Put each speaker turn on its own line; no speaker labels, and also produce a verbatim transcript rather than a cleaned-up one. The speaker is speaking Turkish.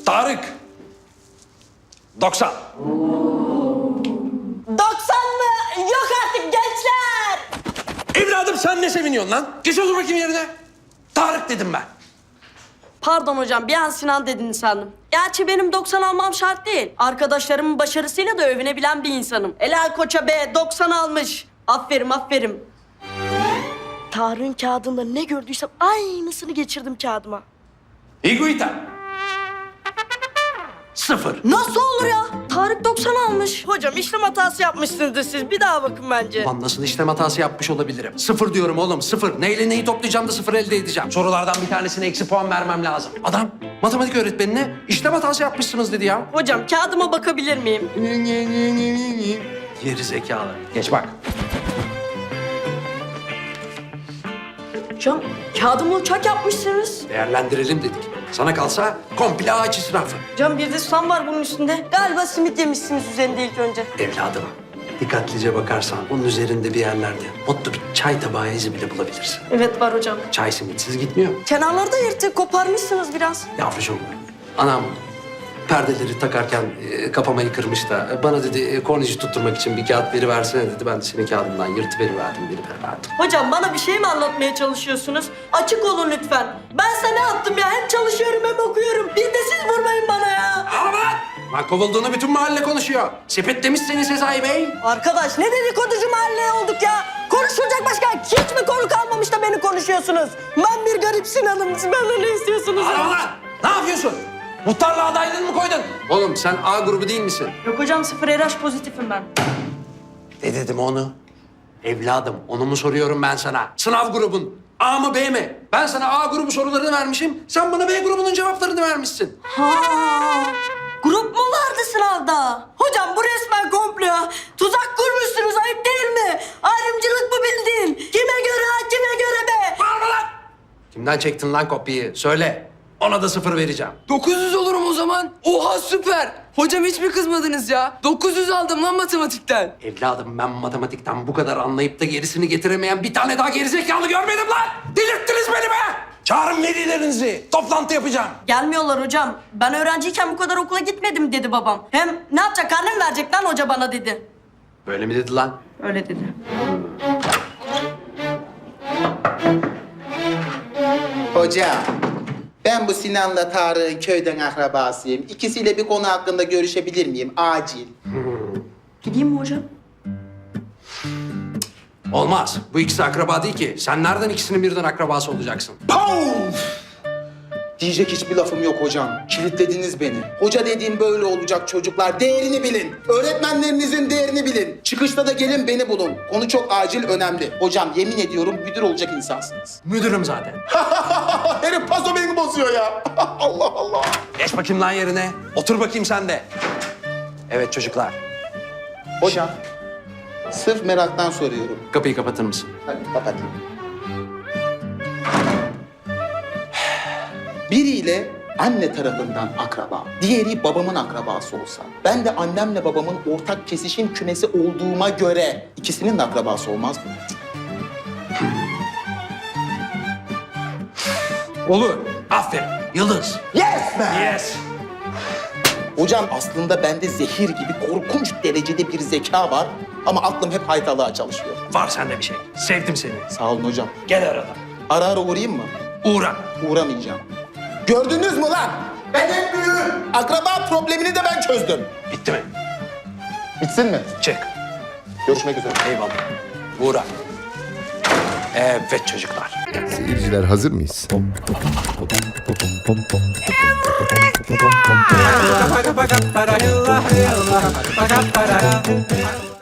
Tarık. doksan.
doksan mı? Yok artık gençler.
Evladım sen ne seviniyorsun lan? Geç otur bakayım yerine. Tarık dedim ben.
Pardon hocam, bir an Sinan dediniz sandım. Gerçi benim doksan almam şart değil. Arkadaşlarımın başarısıyla da övünebilen bir insanım. Helal koça be, doksan almış. Aferin, aferin. Tarık'ın kağıdında ne gördüysem aynısını geçirdim kağıdıma.
Higuita. Sıfır.
Nasıl olur ya? Tarık doksan almış. Hocam işlem hatası yapmışsınızdır siz. Bir daha bakın bence.
Lan nasıl işlem hatası yapmış olabilirim? Sıfır diyorum oğlum, sıfır. Neyle neyi toplayacağım da sıfır elde edeceğim. Sorulardan bir tanesine eksi puan vermem lazım. Adam matematik öğretmenine işlem hatası yapmışsınız dedi ya.
Hocam kağıdıma bakabilir miyim?
Geri zekalı. Geç bak.
Hocam kağıdımı uçak yapmışsınız.
Değerlendirelim dedik. Sana kalsa komple ağaç israfı.
Hocam bir de susam var bunun üstünde. Galiba simit yemişsiniz üzerinde ilk önce.
Evladım, dikkatlice bakarsan onun üzerinde bir yerlerde mutlu bir çay tabağı izi bile bulabilirsin.
Evet var hocam.
Çay simitsiz gitmiyor.
Kenarlarda yırtık, koparmışsınız biraz.
Yavrucuğum, anam perdeleri takarken e, kapamayı kırmış da bana dedi e, kornici tutturmak için bir kağıt veriversene dedi. Ben de senin kağıdından yırtıveriverdim, veriverdim.
Hocam bana bir şey mi anlatmaya çalışıyorsunuz? Açık olun lütfen. Ben sana ne yaptım ya? Hem çalışıyorum hem okuyorum. Bir de siz vurmayın bana ya.
Ama lan kovulduğunu bütün mahalle konuşuyor. Sepetlemiş seni Sezai Bey.
Arkadaş ne dedikoducu mahalleye olduk ya? Konuşulacak başka hiç mi konu kalmamış da beni konuşuyorsunuz? Ben bir garip Sinan'ım. Siz benden ne istiyorsunuz?
Ama lan ne yapıyorsun? Muhtarlığa adaylığını mı koydun? Oğlum sen A grubu değil misin?
Yok hocam sıfır R H pozitifim ben.
Ne dedim onu? Evladım onu mu soruyorum ben sana? Sınav grubun A mı B mi? Ben sana A grubu sorularını vermişim. Sen bana B grubunun cevaplarını vermişsin.
Ha, grup mu vardı sınavda? Hocam bu resmen komplo. Tuzak kurmuşsunuz, ayıp değil mi? Ayrımcılık mı bildin? Kime göre ha, kime göre be?
Bağırma lan! Kimden çektin lan kopyayı? Söyle. Ona da sıfır vereceğim.
dokuz yüz olurum o zaman. Oha süper. Hocam hiç mi kızmadınız ya? dokuz yüz aldım lan matematikten.
Evladım ben matematikten bu kadar anlayıp da gerisini getiremeyen bir tane daha gerizekalı görmedim lan! Delirttiniz beni be! Çağırın velilerinizi. Toplantı yapacağım.
Gelmiyorlar hocam. Ben öğrenciyken bu kadar okula gitmedim dedi babam. Hem ne yapacak, karne mi verecek lan hoca bana dedi.
Böyle mi dedi lan?
Öyle dedi.
Hocam, ben bu Sinan'la Tarık'ın köyden akrabasıyım. İkisiyle bir konu hakkında görüşebilir miyim? Acil.
Gideyim mi hocam?
Olmaz. Bu ikisi akraba değil ki. Sen nereden ikisinin birden akrabası olacaksın?
Puf! Diyecek hiçbir lafım yok hocam. Kilitlediniz beni. Hoca dediğim böyle olacak çocuklar. Değerini bilin. Öğretmenlerinizin değerini bilin. Çıkışta da gelin beni bulun. Konu çok acil, önemli. Hocam yemin ediyorum müdür olacak insansınız.
Müdürüm zaten.
Herif paso beni bozuyor ya. Allah Allah.
Geç bakayım lan yerine. Otur bakayım sen de. Evet çocuklar.
Hocam, sırf meraktan soruyorum.
Kapıyı kapatır mısın?
Hadi kapatayım. Biriyle anne tarafından akraba, diğeri babamın akrabası olsa, ben de annemle babamın ortak kesişim kümesi olduğuma göre ikisinin de akrabası olmaz mı?
Olur. Aferin. Yıldız.
Yes be!
Yes.
Hocam aslında bende zehir gibi korkunç derecede bir zeka var ama aklım hep haytalığa çalışıyor.
Var sende bir şey. Sevdim seni.
Sağ olun hocam.
Gel arada.
Ara ara uğrayayım mı?
Uğra.
Uğramayacağım. Gördünüz mü lan? Ben en büyüğüm. Akraba problemini de ben çözdüm.
Bitti mi?
Bitsin mi?
Çık.
Görüşmek üzere.
Eyvallah. Uğra. Evet çocuklar.
Seyirciler hazır mıyız?